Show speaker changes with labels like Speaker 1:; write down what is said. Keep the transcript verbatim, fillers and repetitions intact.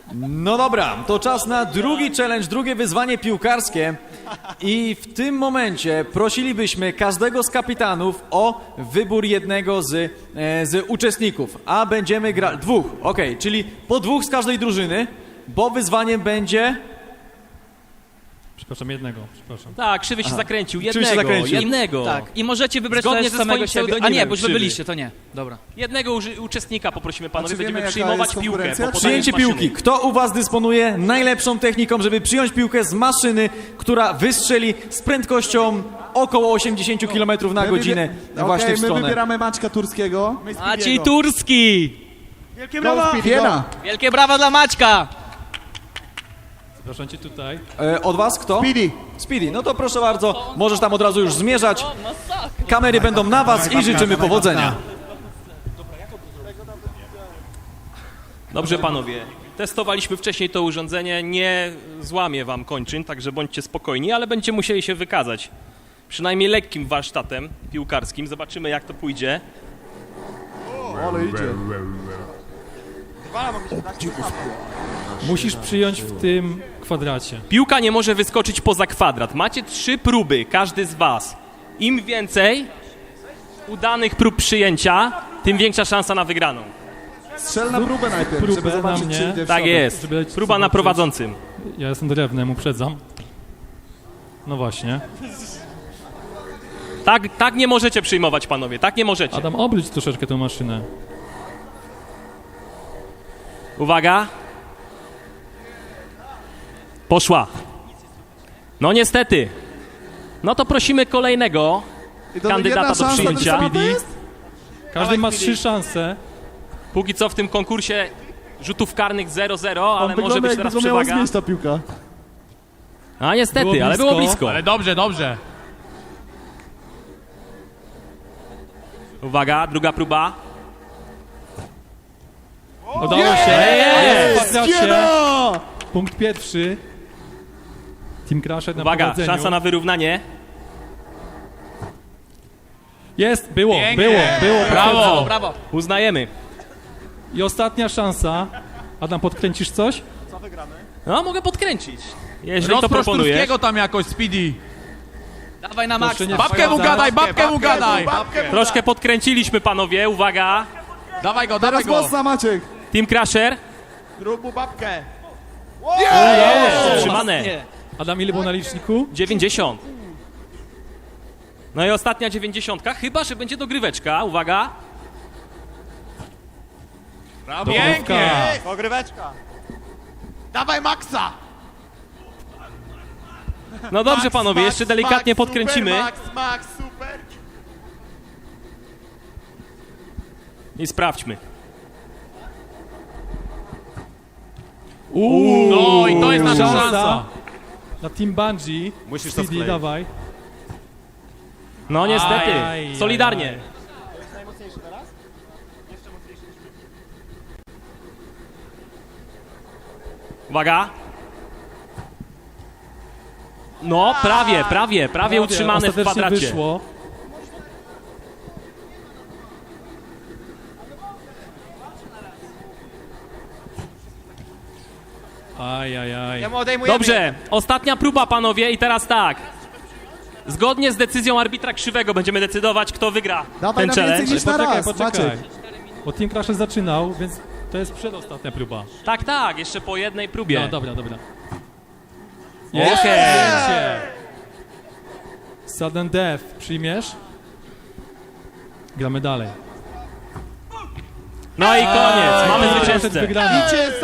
Speaker 1: No dobra, to czas na drugi challenge, drugie wyzwanie piłkarskie. I w tym momencie prosilibyśmy każdego z kapitanów o wybór jednego z, e, z uczestników. A będziemy grać... Dwóch, okej, okay, czyli po dwóch z każdej drużyny, bo wyzwaniem będzie...
Speaker 2: Przepraszam, jednego, przepraszam.
Speaker 3: Tak, Krzywy się
Speaker 1: Aha.
Speaker 3: zakręcił.
Speaker 1: Krzywy
Speaker 3: Jednego,
Speaker 1: się zakręcił.
Speaker 3: jednego.
Speaker 4: Tak, i możecie wybrać
Speaker 3: Zgodnie
Speaker 4: też
Speaker 3: ze
Speaker 4: samego
Speaker 3: swoim
Speaker 4: siebie. A
Speaker 3: pseudonimem,
Speaker 4: nie, bo już wy
Speaker 3: Krzywy.
Speaker 4: byliście, to nie. Dobra.
Speaker 3: Jednego uży- uczestnika poprosimy, panowie,
Speaker 5: A czy wiemy,
Speaker 3: będziemy
Speaker 5: jaka
Speaker 3: przyjmować
Speaker 5: jest
Speaker 3: piłkę.
Speaker 5: konkurencja?
Speaker 3: Po podaniu
Speaker 1: Przyjęcie
Speaker 3: z maszyny.
Speaker 1: piłki. Kto u was dysponuje najlepszą techniką, żeby przyjąć piłkę z maszyny, która wystrzeli z prędkością około osiemdziesiąt kilometrów na
Speaker 5: My
Speaker 1: godzinę
Speaker 5: wybie-
Speaker 1: właśnie
Speaker 5: Okej,
Speaker 1: w
Speaker 5: my
Speaker 1: stronę?
Speaker 5: wybieramy Maćka Turskiego.
Speaker 4: Maciej Turski!
Speaker 5: Wielkie brawa! Wiena!
Speaker 4: Wielkie brawa dla Maćka!
Speaker 2: Zapraszam cię tutaj.
Speaker 1: E, od was kto?
Speaker 5: Speedy.
Speaker 1: Speedy, no to proszę bardzo, możesz tam od razu już zmierzać. Kamery będą na was i życzymy powodzenia.
Speaker 3: Dobrze, panowie. Testowaliśmy wcześniej to urządzenie, nie złamie wam kończyn, także bądźcie spokojni, ale będziecie musieli się wykazać przynajmniej lekkim warsztatem piłkarskim. Zobaczymy, jak to pójdzie.
Speaker 5: Ale idzie.
Speaker 2: Musisz przyjąć w tym kwadracie.
Speaker 3: Piłka nie może wyskoczyć poza kwadrat. Macie trzy próby, każdy z was. Im więcej udanych prób przyjęcia, tym większa szansa na wygraną.
Speaker 5: Strzel na próbę najpierw,
Speaker 2: Próbę
Speaker 5: żeby
Speaker 2: na
Speaker 5: zobaczyć,
Speaker 2: mnie.
Speaker 5: czy idzie w
Speaker 3: Tak
Speaker 5: środek.
Speaker 3: jest.
Speaker 2: Żeby
Speaker 3: Próba na
Speaker 2: zobaczyć.
Speaker 3: prowadzącym.
Speaker 2: Ja jestem drewnem, uprzedzam. No właśnie.
Speaker 3: Tak, tak nie możecie przyjmować, panowie, tak nie możecie.
Speaker 2: Adam, obróć troszeczkę tę maszynę.
Speaker 3: Uwaga. Poszła. No niestety. No to prosimy kolejnego
Speaker 5: I to
Speaker 3: kandydata
Speaker 5: jedna
Speaker 3: do
Speaker 5: szansa
Speaker 3: przyjęcia.
Speaker 5: wysoko to jest?
Speaker 2: Każdy ma trzy szanse.
Speaker 3: Póki co w tym konkursie rzutów karnych zero zero, ale
Speaker 5: On
Speaker 3: może
Speaker 5: wygląda,
Speaker 3: być
Speaker 5: jakby
Speaker 3: teraz
Speaker 5: go miała
Speaker 3: przewaga.
Speaker 5: zmieść ta piłka.
Speaker 3: A niestety,
Speaker 2: Było
Speaker 3: ale było blisko.
Speaker 6: Ale dobrze, dobrze.
Speaker 3: Uwaga, druga próba.
Speaker 2: Udało się.
Speaker 3: Jest!
Speaker 2: W kwadracie.
Speaker 5: Wiena!
Speaker 2: Punkt pierwszy. Team Crusher na
Speaker 3: Uwaga,
Speaker 2: prowadzeniu.
Speaker 3: szansa na wyrównanie.
Speaker 2: Jest, było,
Speaker 6: Pięknie.
Speaker 2: było, było.
Speaker 6: Brawo.
Speaker 2: potwierdzam.
Speaker 4: Brawo!
Speaker 3: Uznajemy.
Speaker 2: I ostatnia szansa. Adam, podkręcisz coś?
Speaker 3: No, mogę podkręcić. Jeżeli to
Speaker 6: Rozprosz
Speaker 3: proponujesz.
Speaker 6: Turskiego tam jakoś, Speedy.
Speaker 4: Dawaj na
Speaker 2: Proszę
Speaker 4: Maxa!
Speaker 2: nie
Speaker 6: Babkę mu gadaj, babkę mu gadaj.
Speaker 3: Troszkę podkręciliśmy, panowie. Uwaga.
Speaker 6: Dawaj go, dawaj
Speaker 5: Teraz
Speaker 6: go.
Speaker 5: mocna Maciek.
Speaker 3: Team Crusher.
Speaker 6: Rób mu babkę.
Speaker 3: Jest, utrzymane.
Speaker 4: Nie.
Speaker 2: Adam, ile było na liczniku?
Speaker 3: dziewięćdziesiąt. No i ostatnia dziewięćdziesiątka, chyba że będzie dogryweczka. Uwaga.
Speaker 6: Pięknie.
Speaker 7: Pogryweczka.
Speaker 6: Dawaj Maxa.
Speaker 3: No dobrze, panowie, jeszcze delikatnie podkręcimy.
Speaker 6: Max, Max, super.
Speaker 3: I sprawdźmy.
Speaker 2: Uuu,
Speaker 6: No i to jest nasza szansa.
Speaker 2: Na Team Bungie.
Speaker 7: Musisz to
Speaker 2: Speedy,
Speaker 7: skleić.
Speaker 2: dawaj.
Speaker 3: No niestety,
Speaker 2: Aj,
Speaker 3: solidarnie.
Speaker 2: aj,
Speaker 3: Uwaga. No, prawie, prawie, prawie utrzymane w
Speaker 2: ostatecznie
Speaker 3: kwadracie.
Speaker 2: wyszło. Aj, aj, aj.
Speaker 7: mu odejmujemy.
Speaker 3: Dobrze, ostatnia próba, panowie, i teraz tak. Zgodnie z decyzją arbitra Krzywego będziemy decydować, kto wygra
Speaker 5: Dawaj
Speaker 3: ten
Speaker 5: na
Speaker 3: challenge.
Speaker 5: więcej niż na
Speaker 2: Poczekaj,
Speaker 5: raz,
Speaker 2: poczekaj.
Speaker 5: Maciek.
Speaker 2: Bo Team Crusher zaczynał, więc to jest przedostatnia próba.
Speaker 3: Tak, tak, jeszcze po jednej próbie.
Speaker 2: No, dobra, dobra.
Speaker 3: Okej.
Speaker 2: Przyjęcie. Sudden Death, przyjmiesz? Gramy dalej.
Speaker 3: No i koniec, mamy
Speaker 2: Team Crusher
Speaker 3: zwycięzcę.
Speaker 2: wygrany.